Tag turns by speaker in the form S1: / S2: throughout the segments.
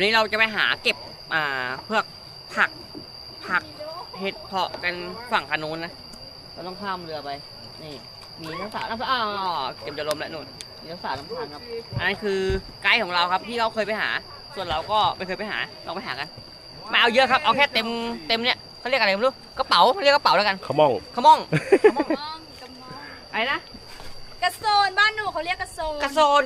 S1: วันนี้เราจะไปหาเก็บเพือกผักเห็ดเพาะกันฝั่งคานูนนะเราต้องข้ามเรือไปนี่มีน้ำสาวเก็บจะลมแล้วนู่นมีน้ำสาวน้ำทางครับอันนั้นคือไกด์ของเราครับที่เราเคยไปหาส่วนเราก็ไม่เคยไปหาลองไปหากันไม่เอาเยอะครับเอาแค่เต็มเนี่ยเขาเรียกอะไรไม่รู้กระเป๋าเรียกกระเป๋าแล้วกัน
S2: ขม่อง
S1: อะไรนะ
S3: กระโซนบ้านหนูเขาเรียกกระโซน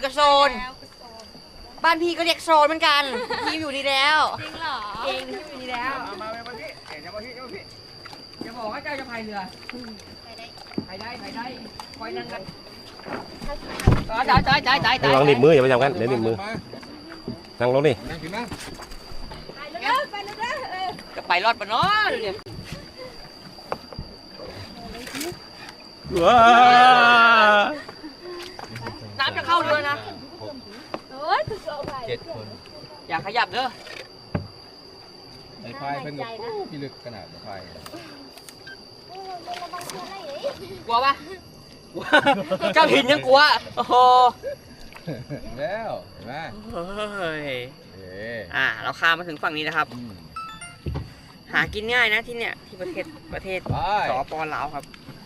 S1: บ้านพี่ก็เรียกโซนเหมือนกันพี่อยู่ดีแล้ว
S3: จริงเหรอจริงอยู่ดีแล้ว
S1: มาพี่อย่าบอกว่าเจ้าจะพายเรือพายได้คอยนั่งกันจ่าย
S2: ลองหนีบมืออย่าไปจับกันเดี๋ยวหนีบมือนั่งลงดิ
S1: จะไปรอดปะเนาะดูดิน้ำจะเข้าเรือนะ
S3: 7 คน
S1: อย่าขยับเด้อ
S4: ไอ้พายเป็นแบบพี่ลึกขนาดพาย
S1: กลัวปะเจ้าหินยังกลัวโอ้โห
S4: แล้วเห็นไหม
S1: เราข้ามมาถึงฝั่งนี้นะครับหากินง่ายนะที่เนี่ยที่ประเทศสป.ลาวครับ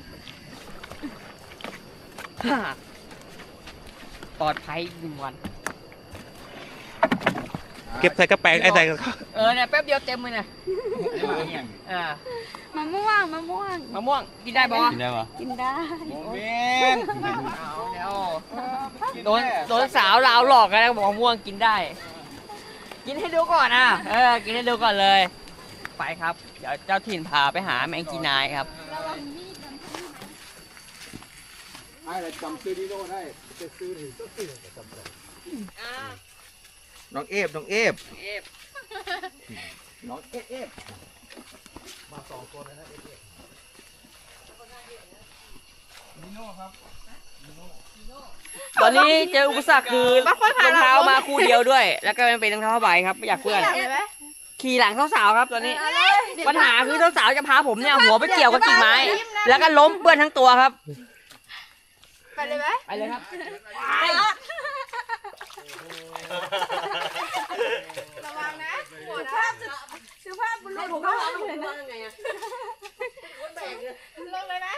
S1: ปลอดภัย1 วัน
S2: เก็บใส่กระแปงไอ้ใส่
S1: เนี่ยแป๊บเดียวเต็มเลยนะ
S3: มะม่วง
S1: กินได้ปะ
S4: กินได้ปะ
S3: กินได้
S4: โมเมนต์
S1: โดนสาวลาวหลอกกันแล้วบอกมะม่วงกินได้กินให้ดูก่อนกินให้ดูก่อนเลยไปครับเดี๋ยวเจ้าถิ่นพาไปหาแมงจีนายครับ
S4: ไอ้จำซื้อดีโน่ได้จะซื้อถึงจำได้น้องเอฟน้องเอฟมา2 คนนะนิโน่ครับ
S1: ตอนนี้เจออุปสรรคคือรองเท้ามาคู่เดียวด้วยแล้วก็เป็นรองเท้าผ้าใบครับไม่อยากเพื่อนขี่หลังสาวๆครับตอนนี้ปัญหาคือสาวๆจะพาผมเนี่ยหัวไปเกี่ยวกับกิ่งไม้แล้วก็ล้มเปื้อนทั้งตัวครับ
S3: ไปเลยไหม
S1: ไปเลยครับ
S3: ระวังนะสุภาพบุรุษผมว่าไงลงเลยไหม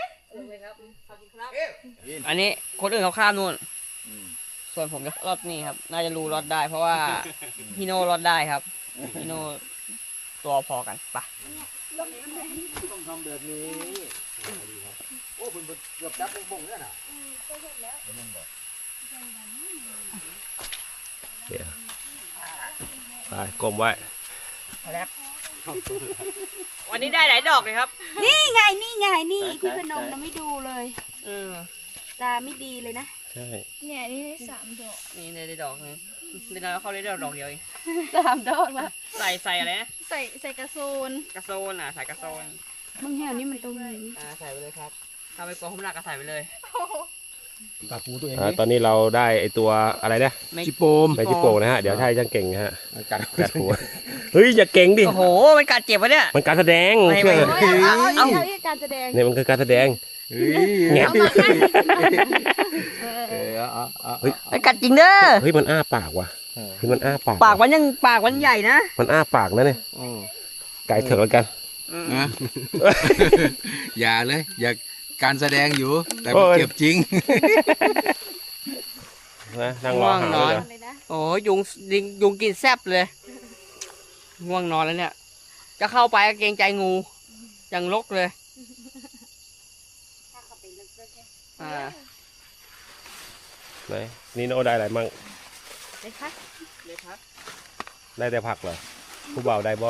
S1: อันนี้คนอื่นเขาข้ามนู่นส่วนผมจะรอดนี่ครับน่าจะรู้รอดได้เพราะว่าพี่โน่รอดได้ครับพี่โน่ตัวพอกันปะ
S4: ต้องทำแบบนี้โอ้คุณเกือบจับบ่งแล้วนะ
S2: ไปกลมไว้
S1: แล้ววันนี้ได้หลายดอกเลยครับ
S3: นี่ไงนี่พี่พนมนะไม่ดูเลยตาไม่ดีเลยนะ
S2: ใช่
S3: เนี่ยนี่ได้3 ดอก
S1: นี่ได้ดอกนึงเดี๋ยวเขาได้ดอกเดียวเอง
S3: 3 ดอกละ
S1: ใส่อะไรนะ
S3: ใส่กระโซน
S1: ใส่กระโซน
S3: มึงแถวนี้มันตรงนี้
S1: ใส่ไปเลยครับถ้าไม่กลัวผมหนักก็ใส่ไปเลย
S4: ปากปูตัวเอง
S2: ตอนนี้เราได้ไอตัวอะไรนะ
S4: จิโปม
S2: นะฮะเดี๋ยวไทยจังเก่งฮะกัดหัวเฮ้ยอย่าเก่งดิ
S1: โอ้โหมันกัดเจ็บวะเนี่ย
S2: มันการแสดง
S3: เอาการแสดง
S2: เนี่ยมันคือการแสดง
S1: เงี้ยกัดจริงเด้อ
S2: เฮ้ยมันอ้าปากว่ะคือมันอ้าปาก
S1: มันใหญ่นะ
S2: มันอ้าปากนะเนี่ยไก่เถอะแล้วกัน
S4: อย่าเลยอย่าการแสดงอยู่แต่เจ็บจริง
S2: นะนั่งรอหาเลย
S1: โอ้ยุงกินแซ่บเลยง่วงนอนแล้วเนี่ยจะเข้าไปเกรงใจงูยังลกเลย
S2: ไหนนี่โน่ได้อะไรมั่ง
S1: เลยครับ
S2: ได้แต่ผักเหรอผู้บ่าวได้บ่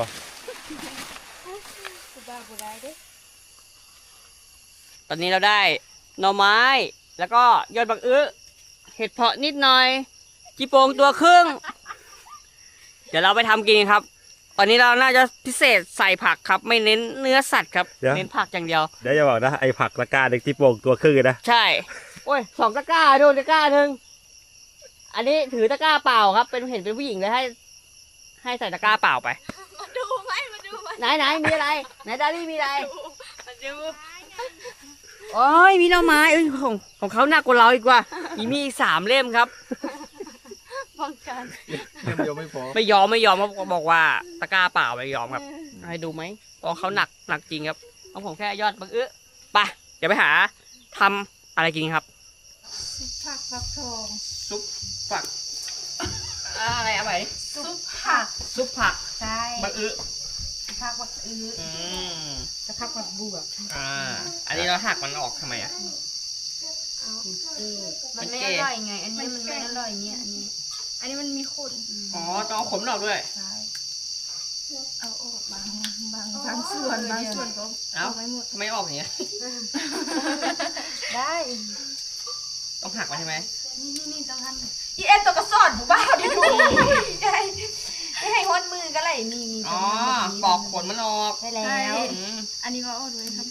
S3: ผู้บ่าวบ่ได้เด้
S1: ตอนนี้เราได้หน่อไม้แล้วก็ยอดบักอื้อเห็ดเพาะนิดหน่อยจีโปงตัวครึ่งเดี๋ยวเราไปทำกินครับตอนนี้เราน่าจะพิเศษใส่ผักครับไม่เน้นเนื้อสัตว์ครับเน้นผักอย่างเดียว
S2: เดี๋ยวจะบอกนะไอ้ผักตะกร้าเด็กจีโปงตัวครึ่งนะ
S1: ใช่โอ้ย2 ตะกร้าดูตะกร้านึงอันนี้ถือตะกร้าเปล่าครับเป็นเห็นเป็นผู้หญิงเลยให้ใส่ตะกร้าเปล่าไป
S3: มาดูไหม
S1: ไหนมีอะไรไหนดารี่มีอะไรโอ้ยมีหน่อไม้ของเขาหนักกว่าเราอีกว่ามีอีก3 เล่มครับ
S3: ป้องกันกัน
S4: เล่มเดียวไม่พอ
S1: ไม่ยอมเขาบอกว่าตะกร้าเปล่าไม่ยอมครับให้ดูไหมเพราะเขาหนักจริงครับเอาผมแค่ยอดบังไปเดี๋ยวไปหาทำอะไรกินครับ
S3: ผักฟักทอง
S1: ซุปผักอะไรเอาไปดิ
S3: ซุปผัก
S1: ซุปผัก
S3: ใช่
S1: บัง
S3: ผักบักอื้อ
S1: อืม
S3: จะผักบักบวบ
S1: อันนี้เราหักมันออกทำไมอ่ะ
S3: มันไม่อร่อยไง อันนี้มันไม่อร่อยเนี่ยอันนี้มันมีขน
S1: อ๋อต้องเอาขมมันออกด้วย
S3: ใช่เอาออกบางส่วนก็
S1: เอ้า
S3: เอาไว้หมด
S1: ทำไมออกอย่างเงี้ย
S3: ได้
S1: ต้องหักมันใช่ไหม
S3: นี่ต้องทำอีเอ็นตัวกระสอนผู้บ้าดิดูได้ให้ฮดมือก็เลยนี่
S1: อ๋อปอกขนมันออก
S3: ได้แล้ว
S1: อืม
S3: อันนี้ก็เอาด้วยครับ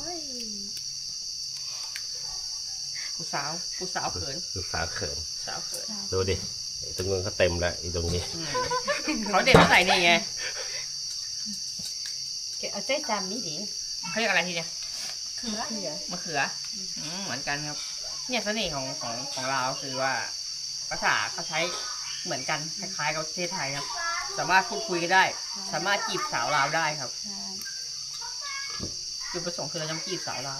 S1: ผู้สาวเขิน
S2: ลูกสาวเขิน
S1: สาวเขิน
S2: ดูดิไอ้ตรงนู้นก็เต็มแล้วอีตรงนี้
S1: เขาเด็ดมาใส่นี่ไง
S3: เอาเส้นจำนี่ดิ
S1: เขาเรียกอะไรทีเนี่ย
S3: เขือ
S1: มะเขือเหมือนกันครับ เนี่ยเสน่ห์ของเราคือว่าภาษาเขาใช้เหมือนกันคล้ายๆกับประเทศไทยครับ สามารถพูดคุยกันได้ สามารถจีบสาวลาวได้ครับ
S3: ใช่
S1: จุดประสงค์คือเราจะจีบสาวลาว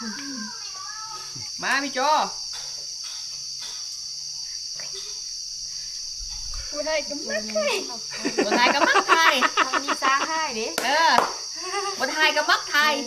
S1: มาพี่โจ
S3: ผู้ไทยก็มักไทย
S1: บนไทยกับมักไทย
S3: ทำดีสร้างให้ดิ
S1: บนไทยกับมักไทย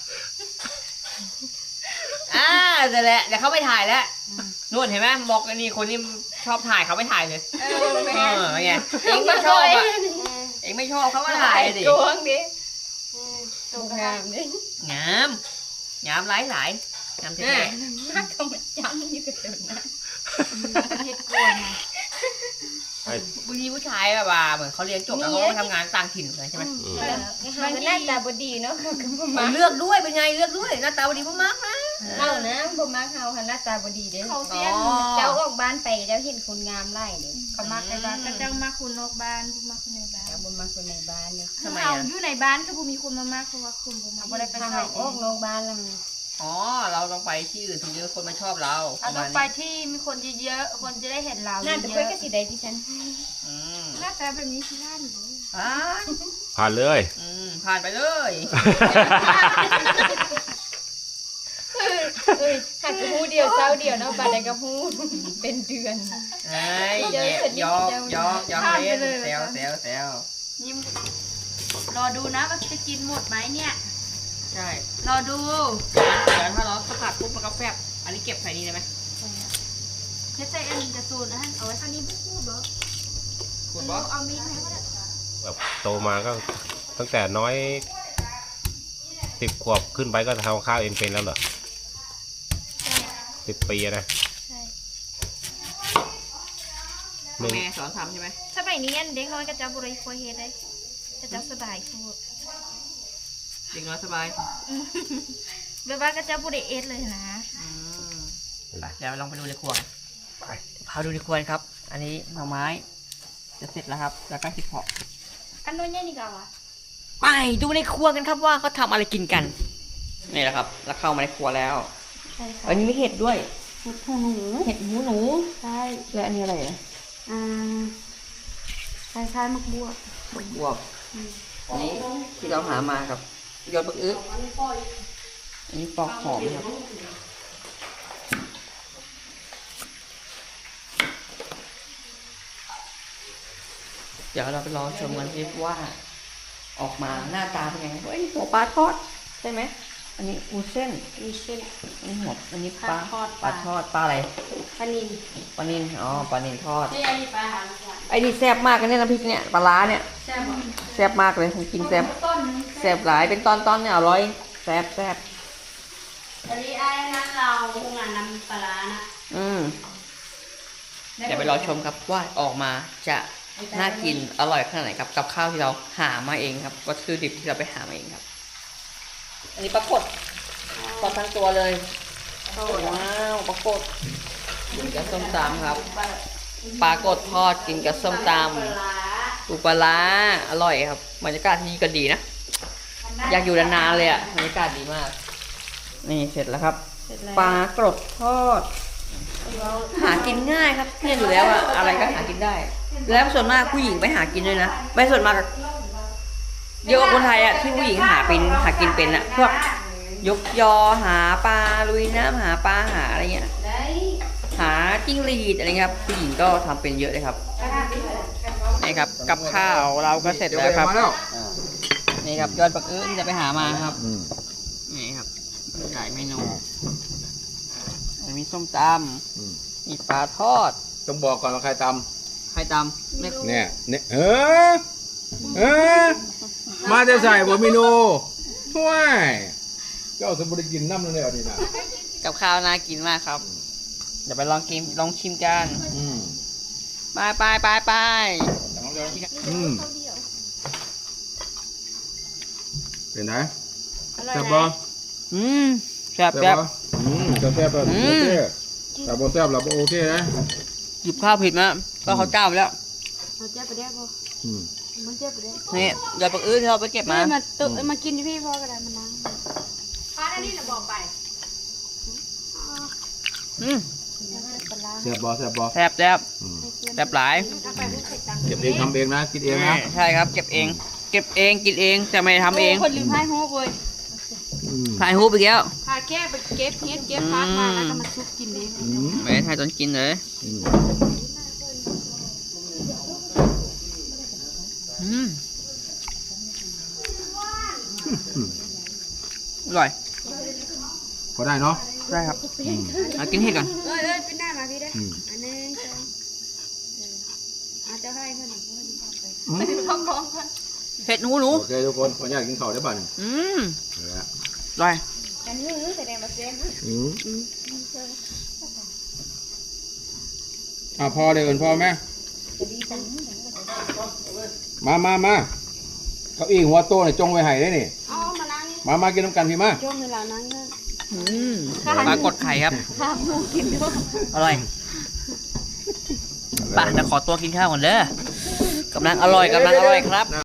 S1: เดี๋ยวแหละเดี๋ยวเขาไปถ่ายแล้วนู่นเห็นไหมบอกอันนี้คนนี้ชอบถ่ายเขาไม่ถ่ายเลยเป็นไงเองไม่ชอบอ่ะเองไม่ชอบเขามาถ่ายดิ
S3: โกงดิตรงงามดิ
S1: งามหลายงามเท่
S3: มักก็มันจำอยู่กับเดิมนะประเทศกวนไง
S1: บางทีผู้ชายแบบว่าเหมือนเขาเรียนจบแล้วเขาไปทำงานต่างถิ่นเลยใช่ไหม
S3: มันหน้าตาบดีเนาะ
S1: เลือกด้วยเป็นไงเลือกด้วยหน้าตาดีมากนะ
S3: เฮานะบ่มักเฮาหันหน้าตาบดีเด้เขาเสียเจ้าออกบ้านไปเจ้าเห็นคนงามไล่เด้เขามักในบ้านก็เจ้ามักคนนอกบ้านบ่มักคนในบ้านเจ้าบ่มักคนในบ้านเนี่ย
S1: ทำไม
S3: เฮา
S1: อ่ะ
S3: อยู่ในบ้านก็บ่มีคนมามากเพราะว่าคนบ่มาบ่ได้ไปใส่ออกนอกบ้านแล้ว
S1: อ๋อเราต้องไปที่อื่นถึงจะคนมาชอบเรา
S3: เราต้องไปที่มีคนเยอะๆคนจะได้เห็นเราน่าจะคุยกับสิใดที่ฉันหน้าตาแบบนี้สิท่านบ่
S2: ผ่านเลย
S1: ผ่านไปเลย
S3: หักกระหูเดียวเจ้าเดียวเนาะบาดใดกระหูเป็นเดือน
S1: เฮ้ยยอกเล่นแซว
S3: ยิ้มรอดูนะว่าจะกินหมดไหมเนี่ย
S1: ใช่
S3: รอดู
S1: เดี๋ยวถ้าเราสกัดปุ๊บมันก็แฟบอันนี้เก็บใส่นี่ได้ไหม
S3: เพชรใจอันนี้จะสูนนะเอาไว้ข้างนี้พูดเหรอ
S1: คุณบอส
S3: เอามีดไหมก็ได้
S2: แบบโตมาก็ตั้งแต่น้อย10 ขวบขึ้นไปก็ทำข้าวเองเป็นแล้วเหรอ10 ปีนะ
S3: ใช่
S2: หนึ่ง
S1: แม่สอนทำใช่ไหม
S3: สมัยนี้เด็กน้อยก็จะบริโภคเฮ็ดได้ก็จะสบายพูด
S1: เด็กน้อยสบาย
S3: แบบว่าก็จะบริเอสเลยนะ
S1: เดี๋ยวลองไปดูในครัวพาดูในครัวครับ อันนี้หน่อไม้จะเสร็จแล้วครับ แล้วก็ที่เพาะ
S3: อันนู้นเนี่ยนี่ก็วะ
S1: ไปดูในครัวกันครับว่าเขาทำอะไรกินกันนี่แหละครับ แล้วเข้ามาในครัวแล้ว
S3: ใช่ค่ะ
S1: อันนี้มีเห็ดด้วย
S3: เห็ดหูหนู
S1: เห็ดหูหนู
S3: ใช่
S1: และอันนี้อะไรอ่ะ
S3: คล้ายๆมักบวก
S1: บวบอันนี้ที่เราหามาครับยอดบักอึอันนี้ปอกหอมครับเดี๋ยวเราไปรอชมกันสิว่า ออกมาหน้าตาเป็นไงเฮ้ยหัวปลาทอดใช่ไหมอันนี้อูเส้น
S3: มีเช่น
S1: อันนี้หัวอันนี้ปลา
S3: ทอด
S1: ปลาทอดปลาอะไร
S3: ปลานิล
S1: ปลานิลอ๋อปลานิลทอด
S3: นี่อันนี้ปลาหาง
S1: ไอ้นี่แซ่บมากกันเนี่ยน้ำพริกเนี่ยปลาร้าเนี่ย
S3: ใช่ไหม
S1: แซ่บมากเลยผมกินแซ่บ
S3: ต้น
S1: แซ่บหลายเป็นตอนเนี่ยอร่อยแซ่บ
S3: อันนี้ไอ้นั่นเราโรงงานน้ำปลาร้านะ
S1: เดี๋ยวไปรอชมครับว่าออกมาจะน่ากินอร่อยขนาดไหนครับกับข้าวที่เราหามาเองครับวัตถุดิบที่เราไปหามาเองครับ อันนี้ปลากดทอดทั้งตัวเลยว้าวปลากดกินกับส้มตำครับปลากดทอดกินกับส้มตำปูปลาร้าอร่อยครับบรรยากาศที่นี่ก็ดีนะอยากอยู่นานๆเลยอ่ะบรรยากาศดีมาก นี่เสร็จแล้วครับปลากรดทอดหากินง่ายครับเนี่ยอยู่แล้วอะอะไรก็หากินได้
S3: เห็น
S1: แล้วส่วนมากผู้หญิงไปหากินด้วยนะไม่ส่วนมากเยอะกว่าคนไทยอะที่ผู้หญิงหากินเป็นอะพวกยกยอหาปลาลุยน้ำหาปลาหาอะไรเงี้ยหาจิ้งหรีดอะไรเงี้ยครับผู้หญิงก็ทำเป็นเยอะเลยครับนี่ครับกับข้าวเราก็เสร็จแล้วครับ
S4: มาแล้ว
S1: นี่ครับยอดปักอื้นจะไปหามาครับ
S4: อืม
S1: นี่ครับหลายเมนูมีส้มตำมีปลาทอด
S4: ต้องบอกก่อนว่าใครต
S1: ไข่ตำไม่
S4: ำเนี่ยเออมาจะใส่บะหมี่โนห่วยเจ้าสมบูรณ์กินน้ำนั่นเลยนี่นะ
S1: กับข้าวน่ากินมากครับ เดี๋ยวไปลองชิมกัน
S4: อืม
S1: ไป
S4: อืมเป็นไงแซ่บบ่
S1: แซ่บ
S4: แซ่บบ่แซ่บแบบโอเคแต่บ่แซ่บเราบ่โอเคนะ
S1: หยิบข้าวผิดมาก็เขาวเจ้าไปแล้ว
S3: เอาเจ็บไปได้บ่
S4: อืม
S3: มันเจ็บไปได้
S1: นี่ยอดปักอื้นที่เราไปเก็บมา
S3: มากินที่พี่พ่อก็ได้มันนั่งป้าอันนี้น่ะบอกไป
S1: อืม
S4: แซ่บบ่แซ่บบ่
S1: แซ่บ
S4: อืม
S1: แซ่บหลาย
S4: เก็บเองทำเองนะกินเองนะ
S1: ใช่ครับเก็บเองกินเองแต่ไม่ได้ทำเอง
S3: คนลืมให้โฮกเลย
S4: อืม
S1: ถ่ายรูปไปแล้ว
S3: พาแก้ไปเก็บเฮ็ดเก็บพักมาแล้วก็มาชุบกินเอง
S4: อืม
S1: ไม่ได้ถ่ายตอนกินเลย
S4: อืม
S1: อร่อย
S4: พอได้เนาะ
S1: ได้ครับ
S4: อืม
S1: กินเห็ดก่อน
S3: เอ้ยเป็นหน้ามาพี่ได้
S4: อืม
S3: อันนี้อาจจะให้เพื่อน
S4: อืม
S1: เห็ดหนู
S4: โอเคทุกคนขออนุญาตกินข้าวได้ป่ะนี่
S1: อ
S4: เอาละ
S1: ร่อย
S3: อันนี้แสดงมาเซน
S4: อืมพอเลยเอินพ่อแม่มาเก้าอี้หัวโตเนี่ยจงไว้ให้ได้นี่
S3: อ๋อมานั่งนี่
S4: มากินน้ำกันพี่มา
S3: ช่วงเวลานั่งเนี่ย
S1: ปลากดไข่ครับ
S3: ข้ามมูกินด้วย
S1: อร่อยป่ะจะขอตัวกินข้าวก่อนเด้อกำลังอร่อยครับ